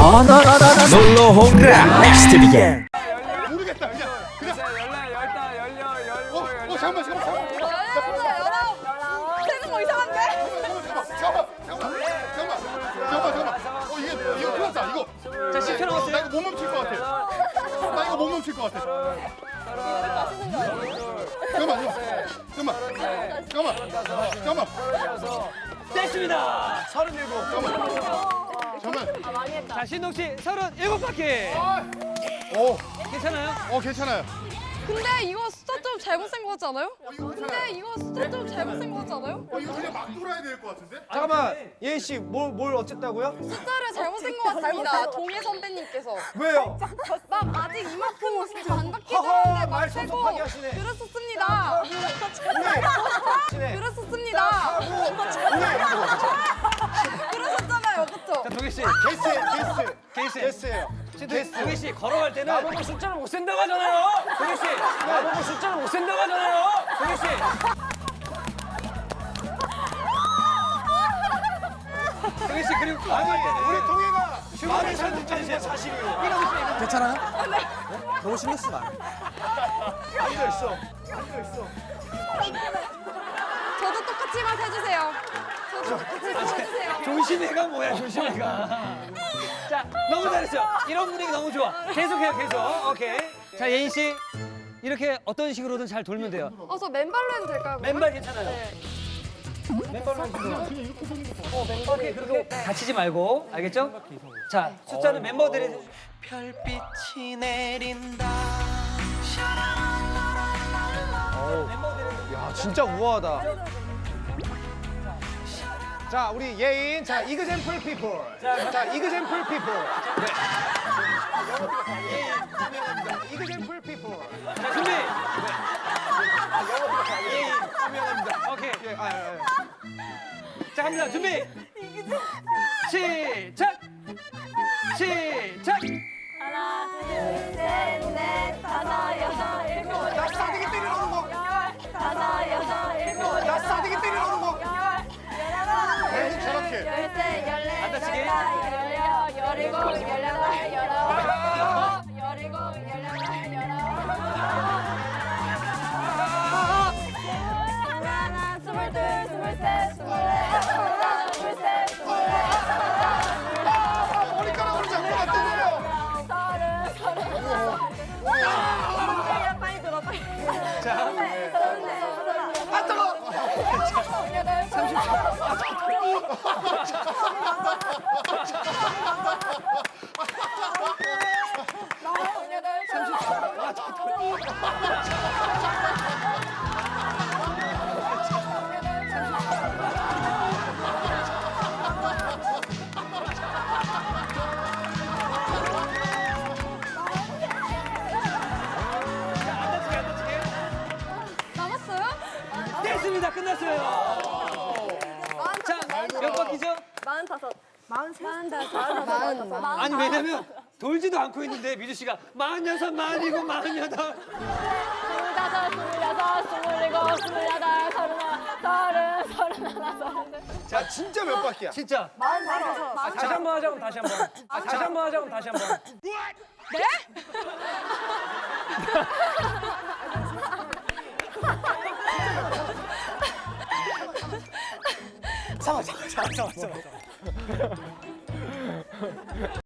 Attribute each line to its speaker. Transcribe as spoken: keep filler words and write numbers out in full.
Speaker 1: 어너너너너 놀러 오라 넥스트 비겐.
Speaker 2: 모르겠다. 그냥 그냥.
Speaker 3: 열려 열다 열려 열고
Speaker 2: 어, 어 잠깐만 잠깐만 잠깐만.
Speaker 4: 되는 거 이상한데?
Speaker 2: 잠깐만 잠깐만 잠깐만 잠깐만 잠깐만. 어 이게 이거 큰일 났다 이거.
Speaker 3: 자 십 초 남았어요.
Speaker 2: 나 이거 못 멈출 것 같아. 나 이거 못 멈출 것 같아.
Speaker 4: 마시는 거 아니에요?
Speaker 2: 잠깐만 잠깐만 잠깐만 잠깐만
Speaker 3: 됐습니다.
Speaker 2: 서른일곱 잠깐만 잠깐만.
Speaker 4: 아, 많이 했다.
Speaker 3: 자 신동 씨 서른일곱 바퀴.
Speaker 2: 오,
Speaker 3: 괜찮아요?
Speaker 2: 어 괜찮아요.
Speaker 4: 근데 이거 숫자 좀 잘못 센 거 같지 않아요?
Speaker 2: 이거
Speaker 4: 근데
Speaker 2: 괜찮아요.
Speaker 4: 이거 숫자 좀 잘못 센 거 같지 않아요?
Speaker 2: 어 이거 그냥 막 돌아야 될 것 같은데?
Speaker 5: 잠깐만, 예인 씨, 뭘, 뭘 어쨌다고요?
Speaker 4: 숫자를 잘못 센 거 같습니다. 동해 선배님께서.
Speaker 5: 왜요?
Speaker 4: 막 아직 이만큼 반 바퀴
Speaker 5: 허허,
Speaker 4: 되는데
Speaker 5: 말
Speaker 4: 막 세고
Speaker 5: 섭섭하게 하시네.
Speaker 4: 그랬었습니다.
Speaker 5: 네.
Speaker 4: 그랬었습니다. 그러셨잖아요, 그쵸?
Speaker 3: 자 동희 씨.
Speaker 5: 게스, 게스,
Speaker 3: 게스.
Speaker 5: 게스예요.
Speaker 3: 게스. 동희 씨 걸어갈 때는
Speaker 5: 나보고 숫자를 못 센다고 하잖아요.
Speaker 3: 동희 씨.
Speaker 5: 나보고 숫자를 못 센다고 하잖아요.
Speaker 3: 동희 씨. 동희 씨 그리고 걸어갈 때는
Speaker 5: 우리 동해가 말을 잘 못하는 사실이에요. 괜찮아요? 네. 너무 신경 쓰지 마. 앉아 있어. 앉아 있어.
Speaker 4: 저도 똑같이만 해주세요. 저도 똑같이만 해주세요.
Speaker 3: 조심해가 뭐야 조심해가. 자 너무 잘했어. 이런 분위기 너무 좋아. 계속해요 계속. 오케이. 자 예인 씨 이렇게 어떤 식으로든 잘 돌면 돼요.
Speaker 4: 어, 저 맨발로 해도 될까요?
Speaker 3: 맨발 괜찮아요.
Speaker 4: 네.
Speaker 3: 맨발로 해도 어 맨발이 그렇게 다치지 말고 알겠죠? 자 숫자는 멤버들이
Speaker 1: 별빛이 내린다.
Speaker 3: 멤버들이
Speaker 5: 야, 진짜 우아하다. 자, 우리 예인. 자, 이그젠플 피플. 자, 자 이그젠플 피플. 네. 예인 유명합니다. 이그젠플 피플.
Speaker 3: 자 준비.
Speaker 5: 예인 유명합니다.
Speaker 3: 오케이.
Speaker 5: 예, 아, 아, 아.
Speaker 3: 자 갑니다 준비. 시작. 시작.
Speaker 4: 하나, 둘, 셋, 넷, 다섯, 여섯, 일곱,
Speaker 5: 나 싸대기 때리러 오는 거.
Speaker 4: 열, 다섯, 여섯, 일곱,
Speaker 5: 나 싸대기 때리러 오는 거.
Speaker 2: 계속 저렇게.
Speaker 4: 열세, 열네,
Speaker 3: 안 다치게.
Speaker 4: 열여덟, 열일곱, 열여덟, 열아홉, 열일곱, 열여덟, 열아홉. 하나, 스물둘, 스물셋, 스물넷, 스물다섯, 스물셋, 스물넷,
Speaker 2: 머리카락으로 자꾸 맞대세요.
Speaker 4: 서른, 서른하나, 서른. 빨리 들어, 빨리.
Speaker 3: 자.
Speaker 4: 서른넷, 서른넷. 아, 뜨거. 서른여덟, 서른아홉. 남았어요?
Speaker 3: 됐습니다. 끝났어요. 자, 몇 바퀴죠?
Speaker 4: 마흔다섯. 마흔다섯. 마흔.
Speaker 3: 아니 왜냐면 돌지도 않고 있는데 미주 씨가 마흔여섯, 마흔일곱, 마흔여덟.
Speaker 4: 스물다섯, 스물여섯, 스물일곱, 스물여덟, 서른하나, 서른, 서른하나, 서른둘.
Speaker 5: 자, 진짜 몇 바퀴야?
Speaker 3: 진짜.
Speaker 4: 마흔다섯.
Speaker 3: 아, 다시 한 번 하자 그럼 다시 한 번. 아, 다시 한 번 하자 그럼 다시 한 번.
Speaker 4: 네?
Speaker 5: 잠깐, 잠깐, 잠깐, 잠깐.